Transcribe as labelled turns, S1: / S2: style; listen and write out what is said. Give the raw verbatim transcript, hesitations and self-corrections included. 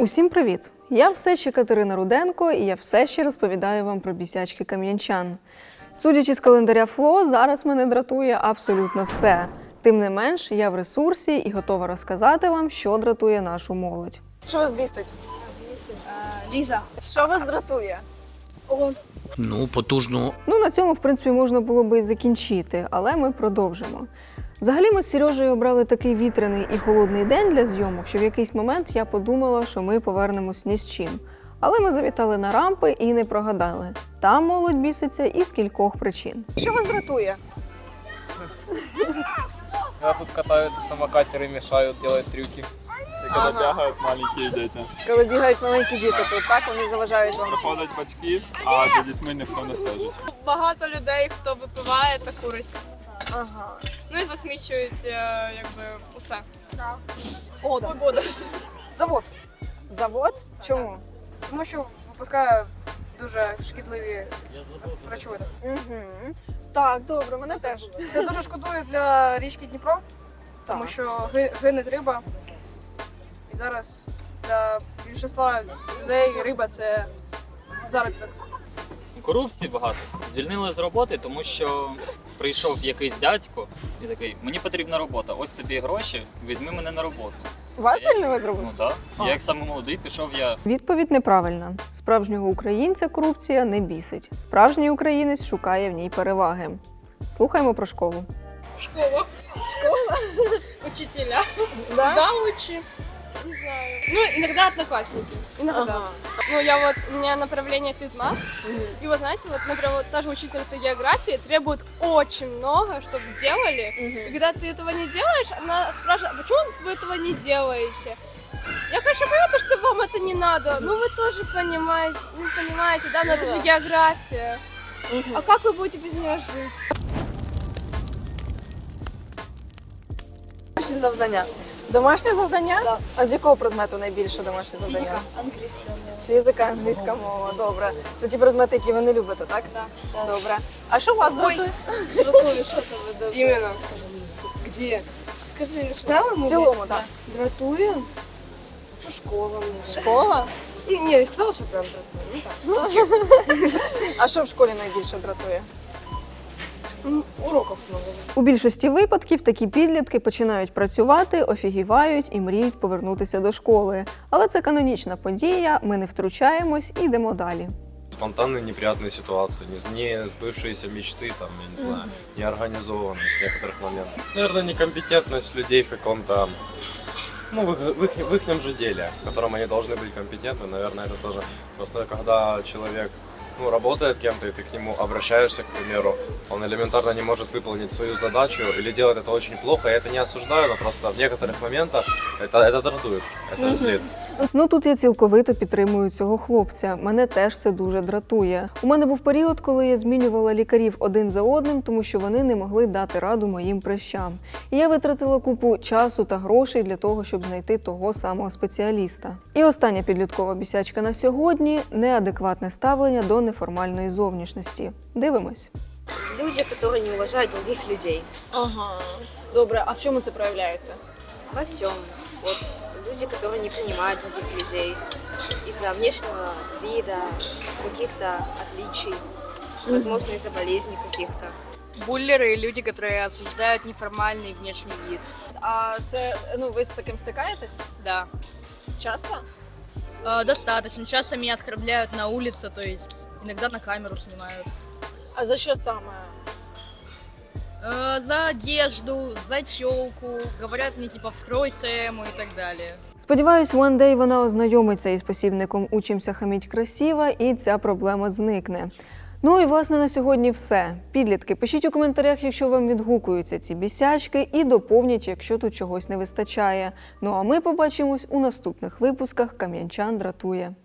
S1: Усім привіт! Я все ще Катерина Руденко і я все ще розповідаю вам про бісячки кам'янчан. Судячи з календаря ФЛО, зараз мене дратує абсолютно все. Тим не менш, я в ресурсі і готова розказати вам, що дратує нашу молодь.
S2: Що вас бісить?
S3: Ліза.
S2: Що вас дратує?
S3: О,
S4: Ну, потужно.
S1: Ну, на цьому, в принципі, можна було би і закінчити, але ми продовжимо. Взагалі ми з Сережею обрали такий вітряний і холодний день для зйомок, що в якийсь момент я подумала, що ми повернемось ні з чим. Але ми завітали на рампи і не прогадали. Там молодь біситься із кількох причин.
S2: Що вас дратує?
S5: Когда тут катаются самокатеры, мешают, делают трюки.
S6: И когда
S2: Ага.
S6: бегают маленькие дети.
S2: Коли бігають маленькі діти тут, так вони заважають вам.
S6: Приходять батьки, а за дітьми ніхто не стежить.
S3: багато людей, хто випиває та курить.
S2: Ага.
S3: Ну і засмічують е, якби усе.
S2: О, да.
S3: Погода.
S2: Завод. Завод? Чому?
S3: Тому що випускає дуже шкідливі речовини.
S2: Угу. Так, добре, мене теж.
S3: Це дуже шкодує для річки Дніпро, тому
S2: Так.
S3: що ги- гине риба. І зараз для більшості людей риба це заробіток.
S7: Корупції багато. Звільнили з роботи, тому що прийшов якийсь дядько і такий, мені потрібна робота, ось тобі гроші, візьми мене на роботу.
S2: Вас звільнили з роботи?
S7: Ну так. Я як саме молодий пішов я.
S1: Відповідь неправильна. Справжнього українця корупція не бісить. Справжній українець шукає в ній переваги. Слухаємо про школу.
S3: Школа. Школа. Учителя.
S2: Да?
S3: Заучи. Не знаю. Ну, иногда одноклассники. Иногда.
S2: Ага.
S3: Ну, я вот, у меня направление физмат. И вы знаете, вот, например, вот та же учительница географии требует очень много, чтобы делали. И когда ты этого не делаешь, она спрашивает, а почему вы этого не делаете? Я, конечно, понимаю, то, что вам это не надо, но вы тоже понимаете, ну, понимаете, да, но это же география. А как вы будете без нее жить?
S2: Домашнє завдання. Домашнє завдання? Да. А з якого предмету найбільше домашнє завдання?
S3: Английская.
S2: Фізика, англійська мова, добре. Це ті предмети, які ви не любите, так?
S3: Да.
S2: Добре. А що вас дратує?
S3: Дратує, що це ви дратує? Іменно. Где? Скажи, в целом?
S2: В цілому, так.
S3: Дратує? Ну, школа.
S2: Школа?
S3: Ні, я сказала, що прям дратує.
S2: А що в школі найбільше дратує?
S3: Ну, уроків много.
S1: У більшості випадків такі підлітки починають працювати, офігівають і мріють повернутися до школи. Але це канонічна подія, ми не втручаємось і йдемо далі.
S8: Спонтанные неприятные ситуации, не, не сбывшиеся мечты, там, я не знаю, неорганизованность в некоторых моментах. Наверное, некомпетентность людей в каком-то, ну, в их, в, их, в ихнем же деле, в котором они должны быть компетентны, наверное, это тоже. Просто когда человек, ну, работает кем-то, и ты к нему обращаешься, к примеру, он элементарно не может выполнить свою задачу или делает это очень плохо, я это не осуждаю, но просто в некоторых моментах это, это дратует, это злит.
S1: Ну тут я цілковито підтримую цього хлопця. Мене теж це дуже дратує. У мене був період, коли я змінювала лікарів один за одним, тому що вони не могли дати раду моїм прищам. І я витратила купу часу та грошей для того, щоб знайти того самого спеціаліста. І остання підліткова бісячка на сьогодні – неадекватне ставлення до неформальної зовнішності. Дивимось.
S9: Люди, которые не уважают других людей.
S2: Ага. Добре, а в чому це проявляється?
S9: Во всем. Вот люди, которые не принимают других людей из-за внешнего вида, каких-то отличий, возможно, из-за болезней каких-то.
S3: Буллеры, люди, которые осуждают неформальный внешний вид.
S2: А це, ну, ви з таким стикаєтесь?
S3: Да.
S2: Часто?
S3: Э, достаточно. Часто меня оскорбляют на улице, то есть иногда на камеру снимают.
S2: А за що саме?
S3: Э, за одежду, за челку, говорят мне типа встройся ему и так далее.
S1: Сподіваюсь, one day вона ознайомиться із посібником «Учимся хаміть красиво» і ця проблема зникне. Ну і, власне, на сьогодні все. Підлітки, пишіть у коментарях, якщо вам відгукуються ці бісячки, і доповніть, якщо тут чогось не вистачає. Ну а ми побачимось у наступних випусках «Кам'янчан дратує».